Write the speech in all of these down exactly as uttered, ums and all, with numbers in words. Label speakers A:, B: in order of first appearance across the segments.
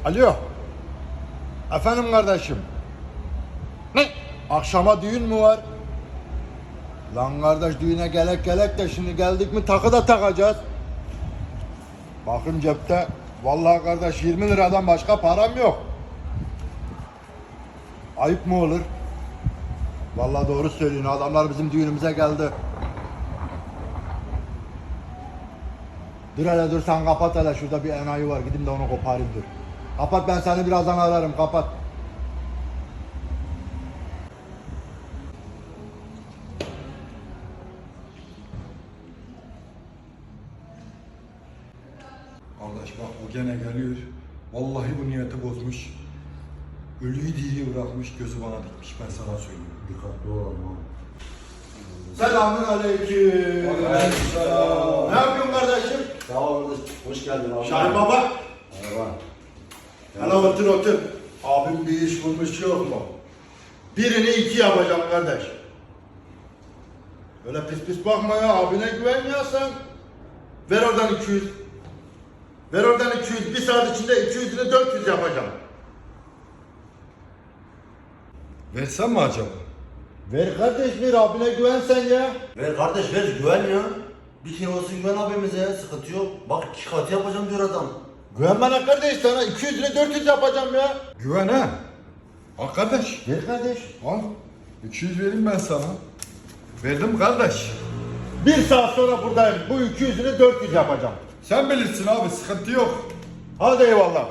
A: Alo. Efendim kardeşim. Ne? Akşama düğün mü var? Lan kardeş düğüne gelek gelek de şimdi geldik mi takı da takacağız. Bakın cepte vallahi kardeş yirmi liradan başka param yok. Ayıp mı olur? Vallahi doğru söylüyorsun, adamlar bizim düğünümüze geldi. Dur hele dur, sen kapat hele, şurada bir enayi var, gideyim de onu koparayım dur. Kapat, ben seni birazdan ararım, kapat.
B: Kardeş bak o gene geliyor. Vallahi bu niyeti bozmuş. Ölüyü diriyi bırakmış, gözü bana dikmiş, ben sana söyleyeyim.
A: Dikkatli olalım abi. Selamün aleyküm.
C: Aleykümselam.
A: Ne yapıyorsun kardeşim?
C: Sağ ol kardeş. Hoş geldin abi.
A: Şahin baba.
C: Merhaba.
A: Hele otur otur. Abim bir iş bulmuş, yok mu? Birini iki yapacağım kardeş. Öyle pis pis bakma ya, abine güvenmiyorsan. Ver oradan iki yüz. Ver oradan iki yüz. Bir saat içinde iki yüzünü dört yüz yapacağım.
B: Versem mi acaba?
A: Ver kardeş, ver, abine güven sen ya.
C: Ver kardeş ver güven ya. Bir kere olsun güven abimize, sıkıntı yok. Bak iki katı yapacağım diyor adam.
A: Güven bana kardeş, sana iki yüzünü dört yüz yapacağım ya.
B: Güven ha. Al kardeş.
A: Ver kardeş.
B: Al. iki yüz vereyim ben sana. Verdim kardeş.
A: Bir saat sonra buradayım. Bu iki yüzünü dört yüz yapacağım.
B: Sen bilirsin abi, sıkıntı yok.
A: Hadi eyvallah.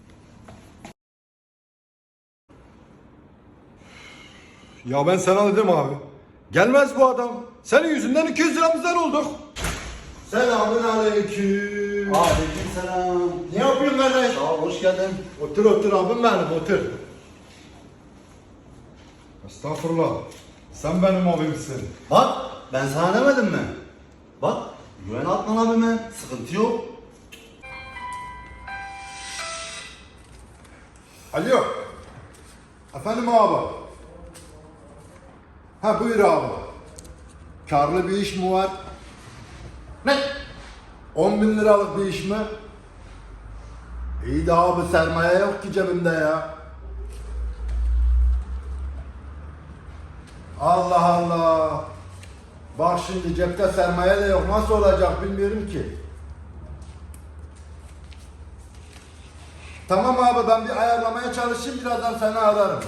B: Ya ben sana dedim abi. Gelmez bu adam. Senin yüzünden iki yüz liramızdan olduk.
A: Selamun aleyküm.
C: Aleykümselam.
A: Ne yapıyorsun kardeş?
C: Sağ ol, hoş geldin.
A: Otur otur abim benim, otur.
B: Estağfurullah. Sen benim abimsin.
C: Bak ben sana demedim mi? Bak güven Atman abime, sıkıntı yok.
A: Alo. Efendim abi. Ha buyur abi. Karlı bir iş mi var? Ne? on bin liralık bir iş mi? İyi de abi, sermaye yok ki cebimde ya. Allah Allah. Bak şimdi cepte sermaye de yok. Nasıl olacak bilmiyorum ki. Tamam abi, ben bir ayarlamaya çalışayım, birazdan seni ararım.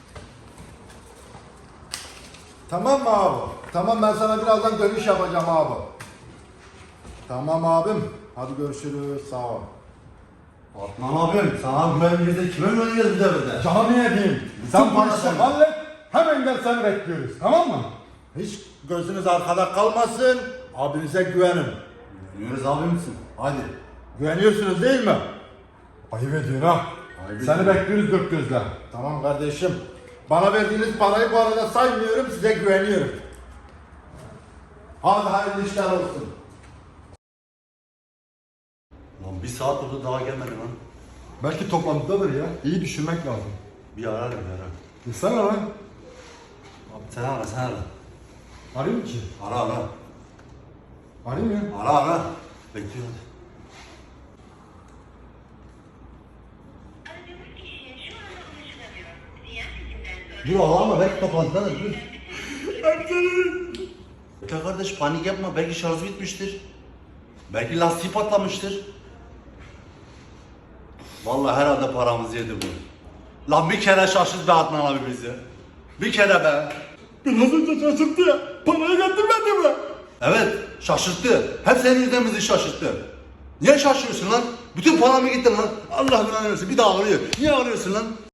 A: Tamam mı abi? Tamam, ben sana birazdan dönüş yapacağım abi. Tamam abim. Hadi görüşürüz. Sağ ol.
C: Atman abim sana güvenimizde kime güveneceğiz bu devirde?
A: Canı yediğim.
B: Sen bu işi hallet. Hemen gel, seni bekliyoruz. Tamam mı?
A: Hiç gözünüz arkada kalmasın. Abinize güvenin.
C: Güveniyoruz abimsin. Hadi.
A: Güveniyorsunuz değil mi?
B: Ayıp ediyorsun ha.
C: Ayıp
B: Seni
C: ediyorum.
B: bekliyoruz dört gözle.
A: Tamam kardeşim. Bana verdiğiniz parayı bu arada saymıyorum. Size güveniyorum. Hadi hayırlı işler olsun.
C: Lan bir saat oldu daha gelmedi lan.
B: Belki toplantıdadır ya. İyi düşünmek lazım.
C: Bir ararım bir ararım.
B: Gitsene lan.
C: Abi sen ara sen ara.
B: Arayayım ki.
C: Ara ara.
B: Arayayım ya.
C: Ara ara. Bekliyorum.
D: Aradığınız kişiye şu anda ulaşılamıyor. Diğer seçimden sonra...
C: Dur ağlama belki toplantıdadır dur. Ya kardeş panik yapma belki şarjı bitmiştir. Belki lastiği patlamıştır. Vallahi herhalde paramızı yedi bu. Lan bir kere şaşırt be Adnan abi bizi. Bir kere be.
B: Biraz önce şaşırttı ya. Parayı getirmedi mi?
C: Evet şaşırttı. Hep senin yüzünden bizi şaşırttı. Niye şaşırıyorsun lan? Bütün paramı gitti lan. Allah belanı versin bir daha ağrıyor. Niye ağrıyorsun lan?